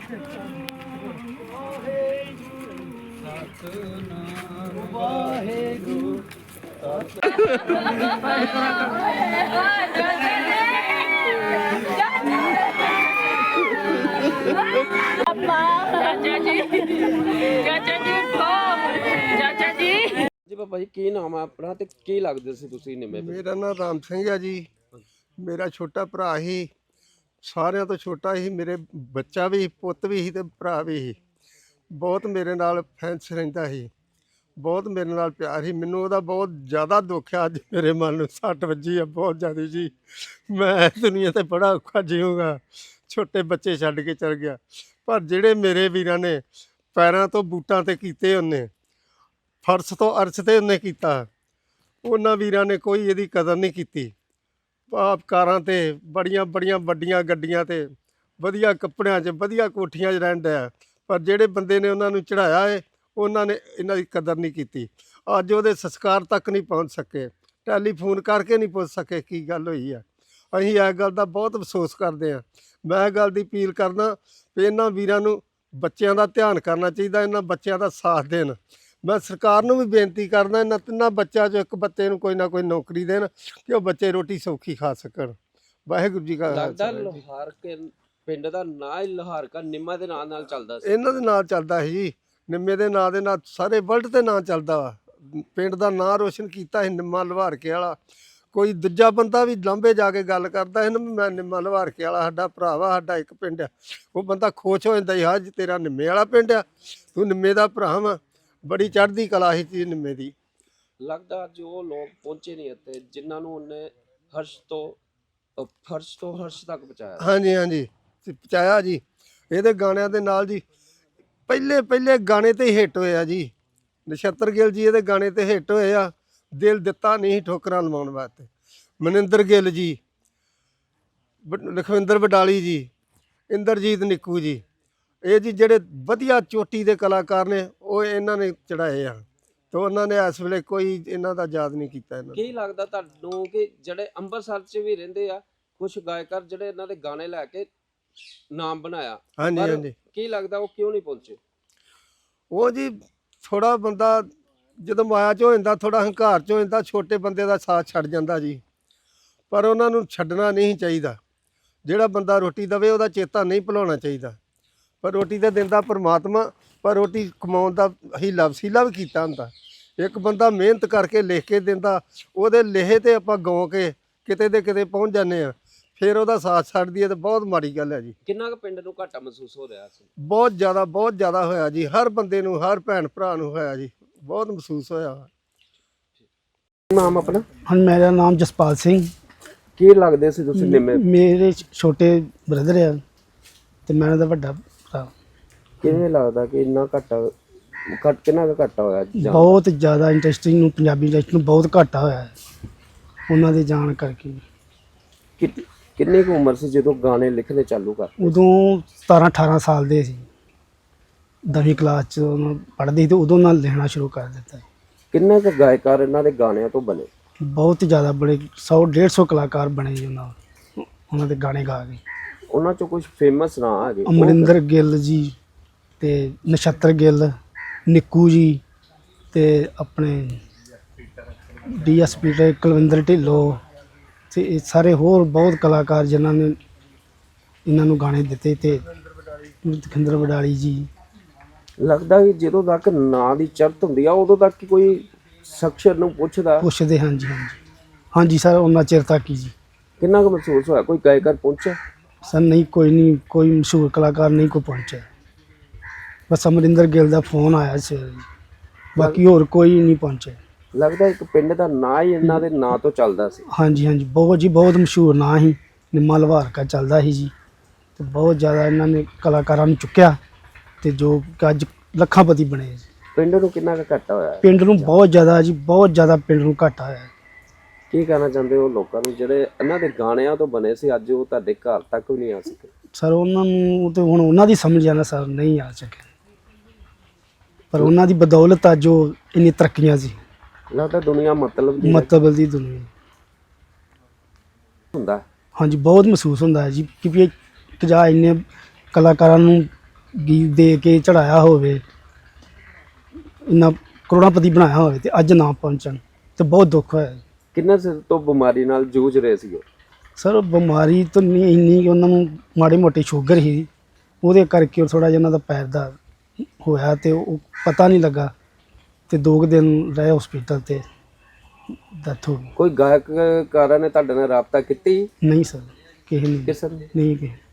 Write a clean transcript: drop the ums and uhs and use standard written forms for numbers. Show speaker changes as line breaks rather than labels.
ਵਾਹਿਗੁਰੂ
ਜੀ ਬਾਬਾ ਜੀ ਕੀ ਨਾਮ ਆ ਆਪਣਾ ਤੇ ਕੀ ਲੱਗਦੇ ਸੀ ਤੁਸੀਂ ਨਿੰਮੇ?
ਮੇਰਾ ਨਾਮ ਰਾਮ ਸਿੰਘ ਹੈ ਜੀ। ਮੇਰਾ ਛੋਟਾ ਭਰਾ ਹੀ, ਸਾਰਿਆਂ ਤੋਂ ਛੋਟਾ ਹੀ। ਮੇਰੇ ਬੱਚਾ ਵੀ, ਪੁੱਤ ਵੀ ਸੀ ਤੇ ਭਰਾ ਵੀ ਸੀ। ਬਹੁਤ ਮੇਰੇ ਨਾਲ ਫੈਂਸ ਰਹਿੰਦਾ ਸੀ, ਬਹੁਤ ਮੇਰੇ ਨਾਲ ਪਿਆਰ ਸੀ। ਮੈਨੂੰ ਉਹਦਾ ਬਹੁਤ ਜ਼ਿਆਦਾ ਦੁੱਖ ਆ। ਅੱਜ ਮੇਰੇ ਮਨ ਨੂੰ ਸੱਟ ਵੱਜੀ ਆ ਬਹੁਤ ਜ਼ਿਆਦਾ ਜੀ। ਮੈਂ ਦੁਨੀਆ ਤੇ ਬੜਾ ਔਖਾ ਜੀਊਂਗਾ, ਛੋਟੇ ਬੱਚੇ ਛੱਡ ਕੇ ਚਲ ਗਿਆ। ਪਰ ਜਿਹੜੇ ਮੇਰੇ ਵੀਰਾਂ ਨੇ ਪੈਰਾਂ ਤੋਂ ਬੂਟਾਂ ਤੇ ਕੀਤੇ, ਉਹਨੇ ਫਰਸ਼ ਤੋਂ ਅਰਸ਼ ਤੇ ਉਹਨੇ ਕੀਤਾ, ਉਹਨਾਂ ਵੀਰਾਂ ਨੇ ਕੋਈ ਇਹਦੀ ਕਦਰ ਨਹੀਂ ਕੀਤੀ। ਆਪ ਕਾਰਾਂ ਤੇ ਬੜੀਆਂ ਬੜੀਆਂ ਵੱਡੀਆਂ ਗੱਡੀਆਂ ਤੇ ਵਧੀਆ ਕੱਪੜਿਆਂ 'ਚ ਵਧੀਆ ਕੋਠੀਆਂ 'ਚ ਰਹਿਣ ਡਿਆ, ਪਰ ਜਿਹੜੇ ਬੰਦੇ ਨੇ ਉਹਨਾਂ ਨੂੰ ਚੜ੍ਹਾਇਆ ਏ ਉਹਨਾਂ ਨੇ ਇਹਨਾਂ ਦੀ ਕਦਰ ਨਹੀਂ ਕੀਤੀ। ਅੱਜ ਉਹਦੇ ਸੰਸਕਾਰ ਤੱਕ ਨਹੀਂ ਪਹੁੰਚ ਸਕੇ, ਟੈਲੀਫੋਨ ਕਰਕੇ ਨਹੀਂ ਪੁੱਛ ਸਕੇ ਕੀ ਗੱਲ ਹੋਈ ਆ। ਅਸੀਂ ਇਸ ਗੱਲ ਦਾ ਬਹੁਤ ਅਫਸੋਸ ਕਰਦੇ ਹਾਂ। ਮੈਂ ਇਹ ਗੱਲ ਦੀ ਅਪੀਲ ਕਰਦਾ ਵੀ ਇਹਨਾਂ ਵੀਰਾਂ ਨੂੰ ਬੱਚਿਆਂ ਦਾ ਧਿਆਨ ਕਰਨਾ ਚਾਹੀਦਾ, ਇਹਨਾਂ ਬੱਚਿਆਂ ਦਾ ਸਾਥ ਦੇਣ। ਮੈਂ ਸਰਕਾਰ ਨੂੰ ਵੀ ਬੇਨਤੀ ਕਰਦਾ ਇਹਨਾਂ ਤਿੰਨਾਂ ਬੱਚਿਆਂ 'ਚੋਂ ਇੱਕ ਬੱਚੇ ਨੂੰ ਕੋਈ ਨਾ ਕੋਈ ਨੌਕਰੀ ਦੇਣ ਕਿ ਉਹ ਬੱਚੇ ਰੋਟੀ ਸੌਖੀ ਖਾ ਸਕਣ। ਵਾਹਿਗੁਰੂ ਜੀ ਕਾ
ਲੱਗਦਾ ਲੋਹਾਰ ਕੇ ਪਿੰਡ ਦਾ ਨਾਂ ਹੀ ਲੋਹਾਰਕਾ ਨਿੰਮਾ ਦੇ ਨਾਂ ਨਾਲ ਚੱਲਦਾ ਸੀ।
ਇਹਨਾਂ ਦੇ ਨਾਂ ਚੱਲਦਾ ਸੀ ਜੀ। ਨਿੰਮੇ ਦੇ ਨਾਂ ਦੇ ਨਾਲ ਸਾਰੇ ਵਰਲਡ ਤੇ ਨਾਂ ਚੱਲਦਾ ਵਾ। ਪਿੰਡ ਦਾ ਨਾਂ ਰੋਸ਼ਨ ਕੀਤਾ ਸੀ ਨਿੰਮਾ ਲਵਾਰਕੇ ਵਾਲਾ। ਕੋਈ ਦੂਜਾ ਬੰਦਾ ਵੀ ਲਾਂਭੇ ਜਾ ਕੇ ਗੱਲ ਕਰਦਾ ਸੀ ਨਾ, ਮੈਂ ਨਿੰਮਾ ਲਵਾਰਕੇ ਵਾਲਾ, ਸਾਡਾ ਭਰਾ ਵਾ, ਸਾਡਾ ਇੱਕ ਪਿੰਡ ਆ, ਉਹ ਬੰਦਾ ਖੁਸ਼ ਹੋ ਜਾਂਦਾ ਸੀ, ਹਾਂ ਜੀ ਤੇਰਾ ਨਿੰਮੇ ਵਾਲਾ ਪਿੰਡ ਆ, ਤੂੰ ਨਿੰਮੇ ਦਾ ਭਰਾ ਵਾ। ਬੜੀ ਚੜ੍ਹਦੀ ਕਲਾ ਸੀ ਚੀਜ਼ ਨਿੰਮੇ ਦੀ।
ਲੱਗਦਾ ਜੋ ਲੋਕ ਪਹੁੰਚੇ ਨਹੀਂ ਇੱਥੇ, ਜਿਨ੍ਹਾਂ ਨੂੰ ਉਹਨੇ ਫਰਸ਼ ਤੋਂ ਹਰਸ਼ ਤੱਕ ਪਹੁੰਚਾਇਆ।
ਹਾਂਜੀ ਹਾਂਜੀ ਪਹੁੰਚਾਇਆ ਜੀ। ਇਹਦੇ ਗਾਣਿਆਂ ਦੇ ਨਾਲ ਜੀ ਪਹਿਲੇ ਗਾਣੇ ਤੇ ਹੀ ਹਿੱਟ ਹੋਏ ਆ ਜੀ। ਨਛੱਤਰ ਗਿੱਲ ਜੀ ਇਹਦੇ ਗਾਣੇ ਤੇ ਹਿੱਟ ਹੋਏ ਆ। ਦਿਲ ਦਿੱਤਾ ਨਹੀਂ ਠੋਕਰਾਂ ਲਵਾਉਣ ਵਾਸਤੇ। ਮਨਿੰਦਰ ਗਿੱਲ ਜੀ, ਲਖਵਿੰਦਰ ਵਡਾਲੀ ਜੀ, ਇੰਦਰਜੀਤ ਨਿੱਕੂ ਜੀ, ਇਹ ਜੀ ਜਿਹੜੇ ਵਧੀਆ ਚੋਟੀ ਦੇ ਕਲਾਕਾਰ ਨੇ, ਉਹ ਇਹਨਾਂ ਨੇ ਚੜਾਏ ਆ। ਤੇ ਉਹਨਾਂ ਨੇ ਇਸ ਵੇਲੇ ਕੋਈ ਇਹਨਾਂ ਦਾ ਯਾਦ ਨਹੀਂ ਕੀਤਾ। ਇਹਨਾਂ
ਕੀ ਲੱਗਦਾ ਤੁਹਾਨੂੰ ਕਿ ਜਿਹੜੇ ਅੰਮ੍ਰਿਤਸਰ 'ਚ ਵੀ ਰਹਿੰਦੇ ਆ ਕੁਝ ਗਾਇਕਾਰ ਜਿਹੜੇ ਇਹਨਾਂ ਦੇ ਗਾਣੇ ਲੈ ਕੇ ਨਾਮ ਬਣਾਇਆ?
ਹਾਂਜੀ ਹਾਂਜੀ।
ਕੀ ਲੱਗਦਾ ਉਹ ਕਿਉਂ ਨਹੀਂ ਪਹੁੰਚੇ?
ਉਹ ਜੀ ਥੋੜਾ ਬੰਦਾ ਜਦੋਂ ਮਾਇਆ 'ਚ ਹੋ ਜਾਂਦਾ, ਥੋੜਾ ਹੰਕਾਰ 'ਚ ਹੋ ਜਾਂਦਾ, ਛੋਟੇ ਬੰਦੇ ਦਾ ਸਾਥ ਛੱਡ ਜਾਂਦਾ ਜੀ। ਪਰ ਉਹਨਾਂ ਨੂੰ ਛੱਡਣਾ ਨਹੀਂ ਚਾਹੀਦਾ। ਜਿਹੜਾ ਬੰਦਾ ਰੋਟੀ ਦੇਵੇ ਉਹਦਾ ਚੇਤਾ ਨਹੀਂ ਭੁਲਾਉਣਾ ਚਾਹੀਦਾ। ਪਰ ਰੋਟੀ ਤਾਂ ਦਿੰਦਾ ਪਰਮਾਤਮਾ, ਪਰ ਰੋਟੀ ਕਮਾਉਣ ਦਾ ਹੀਲਾ ਵਸੀਲਾ ਵੀ ਕੀਤਾ ਹੁੰਦਾ। ਇੱਕ ਬੰਦਾ ਮਿਹਨਤ ਕਰਕੇ ਲਿਖ ਕੇ ਦਿੰਦਾ, ਉਹਦੇ ਲਿਖੇ ਤੇ ਆਪਾਂ ਗਾਉ ਕੇ ਕਿਤੇ ਦੇ ਕਿਤੇ ਪਹੁੰਚ ਜਾਂਦੇ ਆ, ਫਿਰ ਉਹਦਾ ਸਾਥ ਛੱਡ ਦਈਏ ਤਾਂ ਬਹੁਤ ਮਾੜੀ ਗੱਲ ਹੈ ਜੀ।
ਕਿੰਨਾ ਕੁ ਪਿੰਡ ਨੂੰ ਘਾਟਾ ਮਹਿਸੂਸ ਹੋ ਰਿਹਾ ਸੀ?
ਬਹੁਤ ਜ਼ਿਆਦਾ ਹੋਇਆ ਜੀ। ਹਰ ਬੰਦੇ ਨੂੰ, ਹਰ ਭੈਣ ਭਰਾ ਨੂੰ ਹੋਇਆ ਜੀ, ਬਹੁਤ ਮਹਿਸੂਸ ਹੋਇਆ।
ਨਾਮ ਆਪਣਾ?
ਹਾਂ, ਮੇਰਾ ਨਾਮ ਜਸਪਾਲ ਸਿੰਘ।
ਕੀ ਲੱਗਦੇ ਸੀ ਤੁਸੀਂ ਨਿੰਮੇ?
ਮੇਰੇ ਛੋਟੇ ਬ੍ਰਦਰ ਆ ਤੇ ਮੈਂ ਉਹਨਾਂ ਦਾ ਵੱਡਾ ਭਰਾ।
ਕਿਵੇਂ ਲੱਗਦਾ ਕਿ ਇੰਨਾ ਕਿੰਨਾ ਕੁ ਘਾਟਾ ਹੋਇਆ?
ਬਹੁਤ ਜ਼ਿਆਦਾ ਇੰਡਸਟਰੀ ਨੂੰ, ਪੰਜਾਬੀ ਇੰਡਸਟਰੀ ਨੂੰ ਬਹੁਤ ਘਾਟਾ ਹੋਇਆ ਹੈ ਉਹਨਾਂ ਦੇ ਜਾਣ ਕਰਕੇ।
ਕਿੰਨੀ ਕੁ ਉਮਰ ਸੀ ਜਦੋਂ ਗਾਣੇ ਲਿਖਣੇ ਚਾਲੂ ਕਰ?
ਉਦੋਂ 17-18 ਸਾਲ ਦੇ ਸੀ। 10ਵੀਂ ਕਲਾਸ 'ਚ ਪੜ੍ਹਦੇ ਸੀ ਤੇ ਉਦੋਂ ਨਾਲ ਲਿਖਣਾ ਸ਼ੁਰੂ ਕਰ ਦਿੱਤਾ।
ਕਿੰਨੇ ਕੁ ਗਾਇਕਾਰ ਇਹਨਾਂ ਦੇ ਗਾਣਿਆਂ ਤੋਂ ਬਣੇ?
ਬਹੁਤ ਜ਼ਿਆਦਾ ਬੜੇ 100-150 ਕਲਾਕਾਰ ਬਣੇ ਜੀ ਉਹਨਾਂ ਦੇ ਗਾਣੇ ਗਾ ਕੇ।
ਉਹਨਾਂ 'ਚੋਂ ਕੁਝ ਫੇਮਸ ਨਾਂ ਆ ਗਏ?
ਅਮਰਿੰਦਰ ਗਿੱਲ ਜੀ ਤੇ ਨਛੱਤਰ ਗਿੱਲ, ਨਿੱਕੂ ਜੀ ਤੇ ਆਪਣੇ DSP ਤੇ ਕੁਲਵਿੰਦਰ ਢਿੱਲੋਂ ਤੇ ਇਹ ਸਾਰੇ ਹੋਰ ਬਹੁਤ ਕਲਾਕਾਰ ਜਿਨ੍ਹਾਂ ਨੇ ਇਹਨਾਂ ਨੂੰ ਗਾਣੇ ਦਿੱਤੇ, ਤੇ ਲਖਵਿੰਦਰ ਵਡਾਲੀ ਜੀ।
ਲੱਗਦਾ ਕਿ ਜਦੋਂ ਤੱਕ ਨਾਂ ਦੀ ਚਰਤ ਹੁੰਦੀ ਆ ਉਦੋਂ ਤੱਕ ਹੀ ਕੋਈ ਸ਼ਖਸ ਨੂੰ
ਪੁੱਛਦੇ। ਹਾਂਜੀ ਸਰ, ਉਹਨਾਂ ਚਿਰ ਤੱਕ ਹੀ ਜੀ।
ਕਿੰਨਾ ਕੁ ਮਹਿਸੂਸ ਹੋਇਆ? ਕੋਈ ਗਾਇਕਾਰ ਪਹੁੰਚਿਆ?
ਸਰ ਨਹੀਂ, ਕੋਈ ਮਸ਼ਹੂਰ ਕਲਾਕਾਰ ਨਹੀਂ ਕੋਈ ਪਹੁੰਚਿਆ। ਬਸ ਅਮਰਿੰਦਰ ਗਿੱਲ ਦਾ ਫੋਨ ਆਇਆ ਸੀ, ਬਾਕੀ ਹੋਰ ਕੋਈ ਨਹੀਂ ਪਹੁੰਚਿਆ।
ਲੱਗਦਾ ਇੱਕ ਪਿੰਡ ਦਾ ਨਾਂ ਹੀ ਇਹਨਾਂ ਦੇ ਨਾਂ ਤੋਂ ਚੱਲਦਾ ਸੀ।
ਹਾਂਜੀ ਬਹੁਤ ਮਸ਼ਹੂਰ ਨਾਂ ਸੀ, ਨਿੰਮਾ ਲਵਾਰਕਾ ਚੱਲਦਾ ਸੀ ਜੀ। ਤੇ ਬਹੁਤ ਜ਼ਿਆਦਾ ਇਹਨਾਂ ਨੇ ਕਲਾਕਾਰਾਂ ਨੂੰ ਚੁੱਕਿਆ ਤੇ ਜੋ ਅੱਜ ਲੱਖਾਂਪਤੀ ਬਣੇ ਜੀ।
ਪਿੰਡ ਨੂੰ ਕਿੰਨਾ ਕੁ ਘਾਟਾ ਹੋਇਆ?
ਪਿੰਡ ਨੂੰ ਬਹੁਤ ਜ਼ਿਆਦਾ ਪਿੰਡ ਨੂੰ ਘਾਟਾ ਹੋਇਆ।
ਕੀ ਕਹਿਣਾ ਚਾਹੁੰਦੇ ਹੋ ਲੋਕਾਂ ਨੂੰ ਜਿਹੜੇ ਇਹਨਾਂ ਦੇ ਗਾਣਿਆਂ ਤੋਂ ਬਣੇ ਸੀ, ਅੱਜ ਉਹ ਤੁਹਾਡੇ ਘਰ ਤੱਕ ਵੀ ਨਹੀਂ ਆ ਸਕੇ?
ਸਰ ਉਹਨਾਂ ਨੂੰ ਤੇ ਹੁਣ ਉਹਨਾਂ ਦੀ ਸਮਝ ਆਣਾ ਸਰ, ਨਹੀਂ ਆ ਸਕੇ, ਪਰ ਉਹਨਾਂ ਦੀ ਬਦੌਲਤ ਅੱਜ ਜੋ ਇੰਨੀ ਤਰੱਕੀਆਂ ਸੀ।
ਲੱਗਦਾ ਦੁਨੀਆ ਮਤਲਬ
ਦੀ ਦੁਨੀਆ
ਹੁੰਦਾ।
ਹਾਂਜੀ ਬਹੁਤ ਮਹਿਸੂਸ ਹੁੰਦਾ ਹੈ ਜੀ ਕਿ ਵੀ ਇੱਕ ਜਾਂ ਇੰਨੇ ਕਲਾਕਾਰਾਂ ਨੂੰ ਗੀਤ ਦੇ ਕੇ ਚੜਾਇਆ ਹੋਵੇ, ਇੰਨਾ ਕਰੋੜਾਪਤੀ ਬਣਾਇਆ ਹੋਵੇ ਤੇ ਅੱਜ ਨਾ ਪਹੁੰਚਣ ਤੇ ਬਹੁਤ ਦੁੱਖ ਹੋਇਆ।
ਕਿੰਨਾ ਸਿਰ ਤੋਂ ਬਿਮਾਰੀ ਨਾਲ ਜੂਝ ਰਹੇ ਸੀ ਉਹ?
ਸਰ ਬਿਮਾਰੀ ਤਾਂ ਨਹੀਂ ਇੰਨੀ ਕਿ ਉਹਨਾਂ ਨੂੰ ਮਾੜੀ ਮੋਟੀ ਸ਼ੂਗਰ ਸੀ, ਉਹਦੇ ਕਰਕੇ ਥੋੜਾ ਜਿਹਾ ਉਹਨਾਂ ਦਾ ਪੈਰ ਦਾ ਹੋਇਆ ਤੇ ਉਹ ਪਤਾ ਨਹੀਂ ਲੱਗਾ ਤੇ 2 ਦਿਨ ਰਹੇ ਹਸਪੀਟਲ ਤੇ ਡੈਥ ਹੋ ਗਈ।
ਕੋਈ ਗਾਇਕਕਾਰਾਂ ਨੇ ਤੁਹਾਡੇ ਨਾਲ ਰਾਬਤਾ ਕੀਤੀ?
ਨਹੀਂ ਸਰ, ਕਿਸੇ ਨੇ
ਕਿਸੇ ਨੇ?
ਨਹੀਂ ਕਿਸੇ